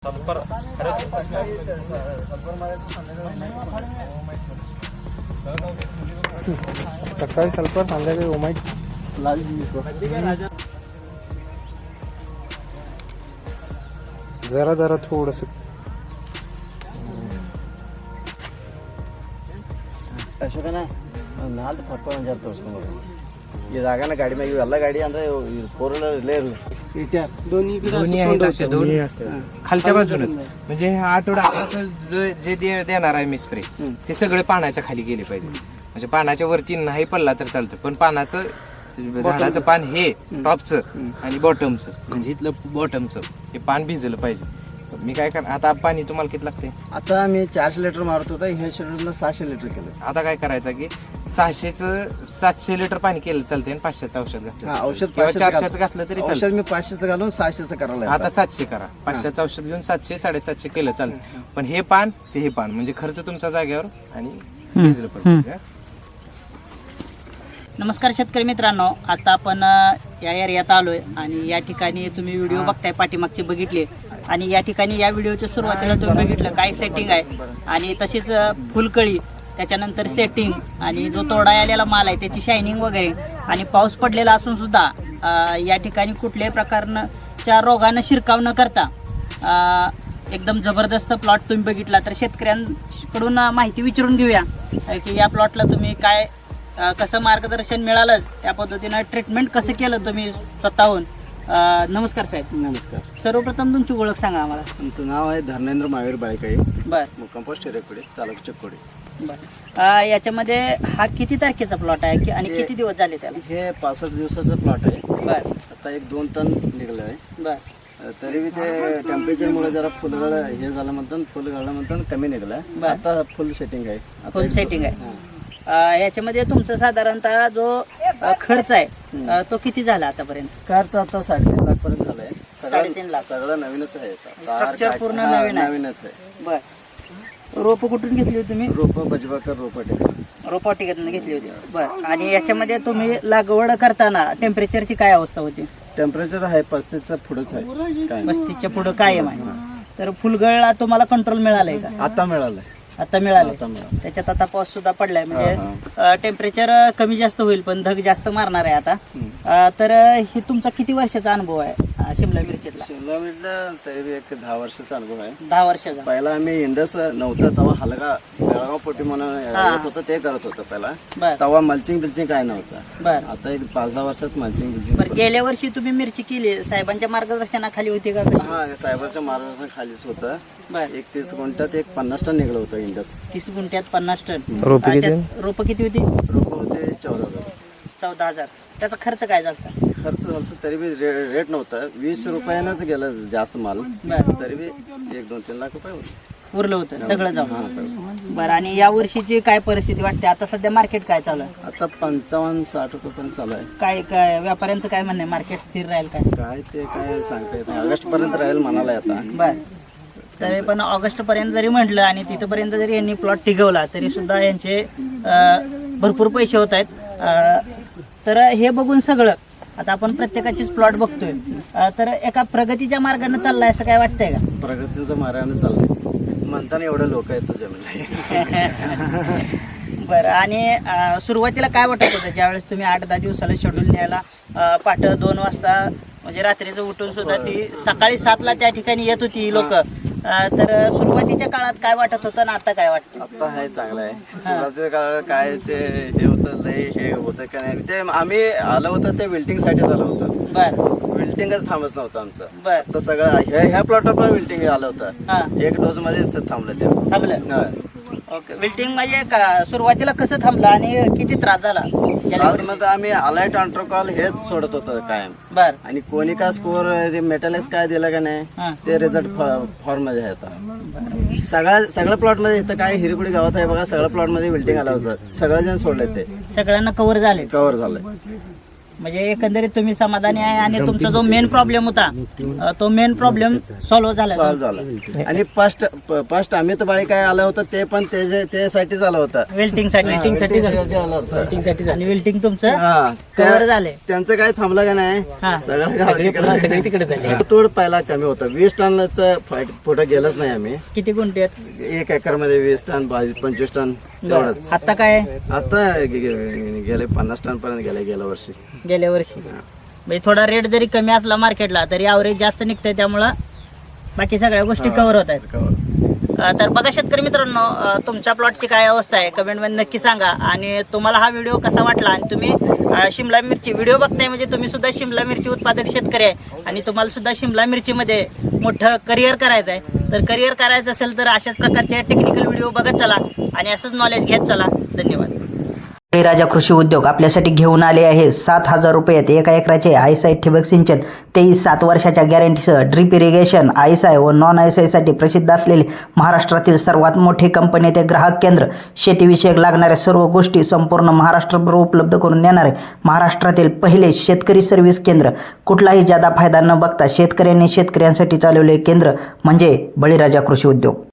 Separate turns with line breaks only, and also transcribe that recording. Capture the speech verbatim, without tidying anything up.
Sulphur
सकाळी sulphur संध्याकाळी ओमाइट जरा जरा थोडस
ಅಶೋಕನ ನಾಲ್ಕು ಪರ್ಪಲ್ ಅಂತ ತೋರಿಸ್ಕೊಂಡು ಇದಾಗನ ಗಾಡಿ ಮ್ಯಾಗ ಇವೆಲ್ಲ ಗಾಡಿ ಅಂದ್ರೆ फोर व्हीलर ಲೇರು
दोन्ही आहेत असे दोन खालच्या बाजूनच म्हणजे हा आठवडा जे जे दे- देणार आहे मी स्प्रे ते सगळे पानाच्या खाली गेले पाहिजे. म्हणजे पानाच्या वरती नाही पडला तर चालतं, पण पानाचं झाडाचं पान हे टॉपचं आणि बॉटमचं म्हणजे इथलं बॉटमचं हे पान भिजलं पाहिजे. मी काय कर आता पाणी तुम्हाला किती लागते?
आता मी चारशे लिटर मारत होता, ह्या शेड्यूलला सहाशे लिटर केलं.
आता काय करायचं की सहाशेचं सातशे लिटर पाणी केलं चालते आणि पाचशेचं औषध
हा,
घातलं
औषध
किंवा
पाचशेचं
चारशेचं घातलं तरी चालतं.
औषध मी पाचशेचं घालून सहाशेचं करायला
आता सातशे करा, पाचशेचं औषध घेऊन सातशे साडेसातशे केलं चालतं. पण हे पान ते हे पान म्हणजे खर्च तुमच्या जागेवर आणि भिजलं पाहिजे.
नमस्कार शेतकरी मित्रांनो, आता आपण अ, या एरियात आलोय आणि या ठिकाणी तुम्ही व्हिडिओ बघताय पाठीमागचे बघितले आणि या ठिकाणी या व्हिडिओच्या सुरुवातीला तुम्ही बघितलं काय सेटिंग आहे आणि तशीच अ, फुलकळी, त्याच्यानंतर सेटिंग आणि जो तोडा आलेला माल आहे त्याची शायनिंग वगैरे आणि पाऊस पडलेला असून सुद्धा अ, या ठिकाणी कुठल्याही प्रकारच्या रोगानं शिरकाव न करता अ, एकदम जबरदस्त प्लॉट तुम्ही बघितला. तर शेतकऱ्यांकडून माहिती विचारून घेऊया अ, की या प्लॉटला तुम्ही काय अ, कसं मार्गदर्शन मिळालंच, त्या पद्धतीनं ट्रीटमेंट कसं केलं तुम्ही स्वतःहून. अ, नमस्कार साहेब.
नमस्कार.
सर्वप्रथम तुमची ओळख सांगा आम्हाला.
तुमचं नाव आहे धर्मेंद्र महावीर बाळकाई,
बर
कंपोस्ट हिरेकोडी, तालुका चिक्कोडी.
बर अ, याच्यामध्ये हा किती तारखेचा प्लॉट आहे की- आणि
हे-
किती दिवस झाले त्याला?
हे पासष्ट दिवसाचा प्लॉट आहे.
बर
आता एक दोन टन निघलं आहे.
बर
तरी बी ते टेम्परेचरमुळे जरा फुलगळ हे झालं म्हणतात, फुल गाळलं म्हणतात कमी निघलं.
बर.
आता फुल सेटिंग आहे. आता
फुल
एक-
सेटिंग आहे.
हा.
अ, याच्यामध्ये तुमचा साधारणतः जो अ, खर्च आहे अ, तो किती झाला आतापर्यंत?
कार तर आता साडेतीन लाख पर्यंत झालंय.
साडेतीन लाख.
सगळं नवीनच आहे.
Structure पूर्ण नवीन आहे.
नवीनच आहे.
बर रोप कुठून घेतली होती तुम्ही?
रोप बजबाकर रोप
रोपवाटिकेतून घेतली होती. बर आणि याच्यामध्ये तुम्ही लागवड करताना टेम्परेचरची काय अवस्था होती?
टेम्परेचर आहे पस्तीसचा पुढेच आहे. काय
पस्तीसच्या पुढं कायम आहे. तर फुलगळला तुम्हाला कंट्रोल मिळालंय का?
आता मिळालंय.
आता मिळालंय.
आता मिळालं.
त्याच्यात आता पाऊस सुद्धा पडलाय
हा,
म्हणजे टेम्परेचर कमी जास्त होईल पण धग जास्त मारणार आहे आता. अ, तर हे तुमचा किती वर्षाचा अनुभव आहे अ, शिमला मिरचीतला?
शिमला मिरचीला तरी बी एक दहा वर्षाचा अनुभव आहे.
दहा वर्षाचा.
पहिला आम्ही इंडस नव्हतं तेव्हा हलगा बेळगाव पोटी म्हणून
हा.
येत होतं, ते करत होतं पहिला.
बर
तेव्हा मल्चिंग बिल्चिंग काय नव्हतं.
बर
आता एक पाच दहा वर्षात मल्चिंग
बर
बिल्चिंग.
गेल्या वर्षी तुम्ही मिरची केली, साहेबांच्या मार्गदर्शनाखाली होती का?
हा, साहेबाच्या मार्गदर्शन खालीच होतं.
बर
एक तीस गुंठात एक पन्नास टन निघलं होतं इंडस.
तीस गुंठ्यात पन्नास टन.
रोपे किती?
रोप किती होती?
रोप होते चौदा हजार.
चौदा हजार. त्याचा खर्च काय झाला?
खर्च झाला तरी बी रे- रेट नव्हता, वीस रुपयानंच गेलं जास्त माल.
बर
तरी बी एक दोन तीन लाख रुपये होते.
उरलं होतं सगळं
हा,
जाऊन.
सगळं.
बरं आणि या वर्षीची काय परिस्थिती वाटते? आता सध्या मार्केट काय चालू आहे?
आता पंचावन्न साठ रुपये पर्यंत चालू आहे.
काय काय व्यापाऱ्यांचं काय म्हणणं आहे? मार्केट स्थिर राहील काय?
काय ते काय सांगता येत नाही. ऑगस्ट पर्यंत राहील म्हणाला आता.
बर तरी पण ऑगस्ट पर्यंत जरी म्हटलं आणि तिथपर्यंत जरी यांनी प्लॉट टिकवला तरी सुद्धा यांचे अं, भरपूर पैसे होत आहेत. अं, तर हे बघून सगळं आता आपण प्रत्येकाचीच प्लॉट बघतोय. अं, तर एका प्रगतीच्या मार्गाने चाललाय असं काय वाटतंय का?
प्रगतीचं मार्गाने चाललंय म्हणताना एवढे लोक आहेत जमीन.
बरं आणि अं, सुरुवातीला काय वाटत होतं ज्यावेळेस तुम्ही आठ दहा दिवसाला शेड्यूल न्यायला अं, पहाटे दोन वाजता म्हणजे रात्रीचं उठून सुद्धा ती सकाळी सातला त्या ठिकाणी येत होती लोक. तर सुरुवातीच्या काळात काय वाटत होतं आणि आता काय वाटतं?
आता आहे चांगलं आहे. सुरुवातीच्या काळात काय ते हे होतं लय हे होतं का नाही, ते आम्ही आलं होतं ते विल्टिंग साठी आलं होतं.
बर
विल्टिंगच थांबत नव्हतं आमचं.
बर
तर सगळं ह्या ह्या प्लॉटवर पण विल्टिंग आलं होतं.
हा
एक डोस मध्येच थांबलं ते.
थांबलं.
हा.
ओके विल्टिंग म्हणजे का- सुरुवातीला कसं थांबलं आणि किती त्रास झाला?
आज मध्ये आम्ही अलाइट अँट्रोकॉल हेच सोडत होतो कायम.
बर
आणि कोनिका स्कोर मेटॅलिक्स काय दिलं का
हा.
नाही ते रिझल्ट फॉर्म मध्ये आहे. आता सगळ्या सगळ्या प्लॉट मध्ये इथं काय हिरकुडी गावात आहे बघा, सगळ्या प्लॉट मध्ये विल्टिंग आलं होतं. सगळेजण सोडले, ते
सगळ्यांना कव्हर झाले.
कव्हर झालंय.
म्हणजे एकंदरीत तुम्ही समाधानी आहे आणि तुमचा जो मेन प्रॉब्लेम होता अ, तो मेन प्रॉब्लेम सॉल्व्ह झाला.
सॉल्व झाला. आणि फर्स्ट फर्स्ट अमित बाळी काय आलं होतं ते पण त्याचे- त्यासाठीच आलं होतं.
वेल्टिंग साठी
Welding साठी आलं होतं.
आणि वेल्टिंग तुमचं
हा,
कव्हर
त्या-
झाले.
त्यांचं काय थांबलं का नाही
हा.
सगळं तिकडे झाले. तोड पहिला कमी होता. वीस टन तर पुढे गेलंच नाही आम्ही.
किती गुंठे आहेत?
एक एकर मध्ये वीस टन बावीस पंचवीस टन तेवढंच.
आता काय आहे?
आता गे- गे- गेले पन्नास टन पर्यंत गेले गेल्या वर्षी.
गेल्या वर्षी म्हणजे थोडा रेट जरी कमी असला मार्केटला तरी ॲव्हरेज जास्त निघतंय, त्यामुळं बाकी सगळ्या गोष्टी कव्हर होत आहेत. अ, तर बघा शेतकरी मित्रांनो, अ, तुमच्या प्लॉटची काय अवस्था आहे कमेंटमध्ये नक्की सांगा. आणि तुम्हाला हा व्हिडिओ कसा वाटला आणि तुम्ही अ, शिमला मिरची व्हिडिओ बघताय म्हणजे तुम्ही सुद्धा शिमला मिरची उत्पादक शेतकरी आहे आणि तुम्हाला सुद्धा शिमला मिरचीमध्ये मोठं करिअर करायचं आहे. तर करिअर करायचं असेल तर अशाच प्रकारचे टेक्निकल व्हिडिओ बघत चला आणि असंच नॉलेज घेत चला. धन्यवाद. बळीराजा कृषी उद्योग आपल्यासाठी घेऊन आले आहे सात हजार रुपयात एका एकराचे आयसाय ठिबक सिंचन, तेवीस सात वर्षाच्या गॅरंटीसह ड्रिप इरिगेशन. आयसाय व नॉन आयसायसाठी प्रसिद्ध असलेले महाराष्ट्रातील सर्वात मोठी कंपनी ते ग्राहक केंद्र. शेतीविषयक लागणाऱ्या सर्व गोष्टी संपूर्ण महाराष्ट्रभर उपलब्ध करून देणारे महाराष्ट्रातील पहिले शेतकरी सर्व्हिस केंद्र. कुठलाही जादा फायदा न बघता शेतकऱ्यांनी शेतकऱ्यांसाठी चालवलेले केंद्र म्हणजे बळीराजा कृषी उद्योग.